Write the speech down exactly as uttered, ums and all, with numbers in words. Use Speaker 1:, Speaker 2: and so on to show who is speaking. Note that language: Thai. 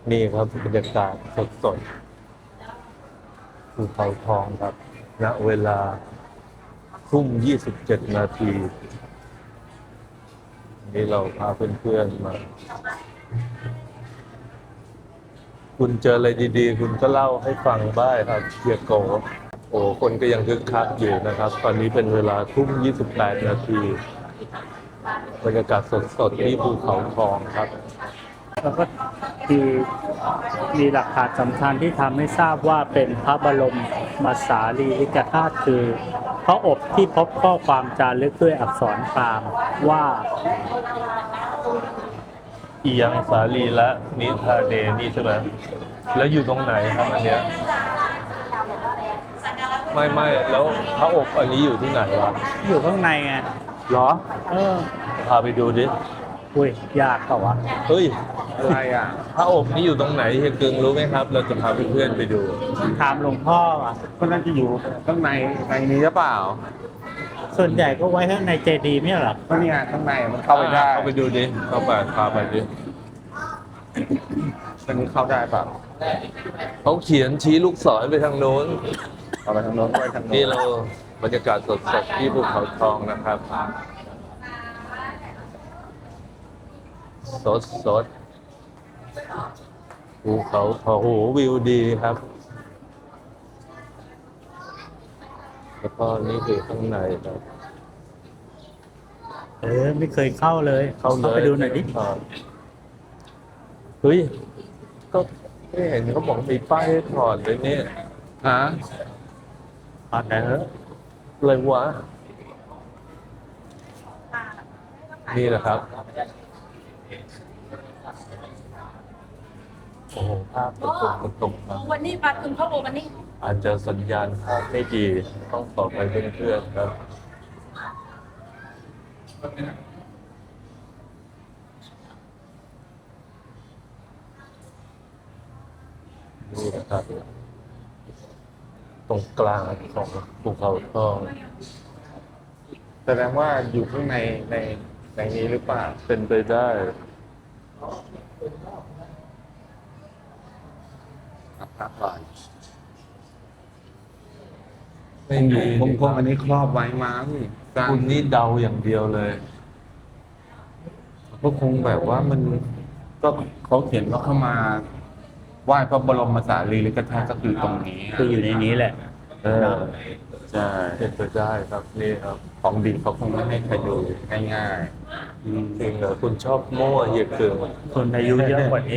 Speaker 1: นี่ครับบรรยากาศสดๆภูเขาทองครับณเวลาทุ่มยี่สิบเจ็ดนาทีนี่เราพาเพื่อนๆมา คุณเจออะไรดีๆ คุณก็เล่าให้ฟังได้ครับเฮียโกโอ้คนก็ยังคึกคักอยู่นะครับ ตอนนี้เป็นเวลาทุ่มยี่สิบแปดนาทีบรรยากาศสดๆที่ภูเขาทองครับ
Speaker 2: แล้วก็มีมีหลักฐานสำคัญที่ทำให้ทราบว่าเป็นพระบรมมาสารีริกธาตุคือพระอบที่พบข้อความจารึกด้วยอักษรพราหมณ์ว่า
Speaker 1: อียังสาลีและนิทาเดนี่ใช่ไหมแล้วอยู่ตรงไหนครับอันเนี้ยไม่ไม่แล้วพระอบอันนี้อยู่ที่ไหนวะ
Speaker 2: อยู่ข้างในไง
Speaker 1: เหรอ
Speaker 2: เออ
Speaker 1: พาไปดูดิ
Speaker 2: อุ้ยยากเปล่าวะ
Speaker 1: เฮ้ย
Speaker 3: อะไรอ่ะ
Speaker 1: พระอบนี่อยู่ตรงไหนเฮียกึงรู้ไหมครับ เราจะพาเพื่อนๆไปดู
Speaker 2: ถามหลวงพ่ออ่ะ
Speaker 3: ก็น่าจะอยู่ข้างในในนี้หรือเปล่า
Speaker 2: ส่วนใหญ่ก็ไว้ข้างในเจดีย์ไม่ใช่เหรอ
Speaker 3: ก็เนี่ยข้างในมันเข้าไปได้
Speaker 1: เข้าไปดูดิเข้าไปพาไปดิ
Speaker 3: มันนี้เข้าได้เปล่า
Speaker 1: เขาเขียนชี้ลูกศรไปทางโน้น
Speaker 3: เอาไปทางโน้นไปทางโน้น
Speaker 1: นี่เราบรรยากาศสดๆที่ภูเขาทองนะครับสดสดภูเขาทองโอ้โหวิวดีครับ แล้วก็นี่คือข้างในครับ
Speaker 2: เออไม่เคยเข้าเลย
Speaker 1: เข้าเลย
Speaker 2: ไปดูหน่อยดิ
Speaker 1: เฮ้ย ก็ไม่เห็นเขาบอกมีป้ายให้ถอดเลยเนี่ย
Speaker 3: ฮะ
Speaker 2: ตอนไหนเออ
Speaker 1: อะไรวะ นี่แหละครับ โอ้โหภาพตกตกตกตกมา
Speaker 4: วันนี้ปลาถึงพระโอวันนี้
Speaker 1: อาจจะสัญญาณภาพไม่ดีต้องต่อไปเพื่อนๆครับ นี่นะครับ ตรงกลางของภูเขาทอง
Speaker 3: แสดงว่าอยู่ข้างในในในนี้หรือเปล่า
Speaker 1: เป็นไปได้
Speaker 3: พักก่อน
Speaker 1: ไม่มี
Speaker 3: คงคงอันนี้ครอบไว้มั้งสร้าง
Speaker 1: คุณนี่เดาอย่างเดียวเลย
Speaker 3: ก็คงแบบว่ามันก็เขาเขียนว่าเข้ามาไหว้พระบรมสารีริกธาตุก็คือตรงนี้
Speaker 2: คืออยู่ในนี้แหละ
Speaker 1: เออ
Speaker 3: ใช่
Speaker 1: เป็นไปได้ครับนี่ครับ
Speaker 3: ของดีเขาคงไม่ให้ใครดูง่าย
Speaker 1: จริงเหรอคุณชอบโม่เฮียเกิง
Speaker 2: คนอายุเยอะกว่านี้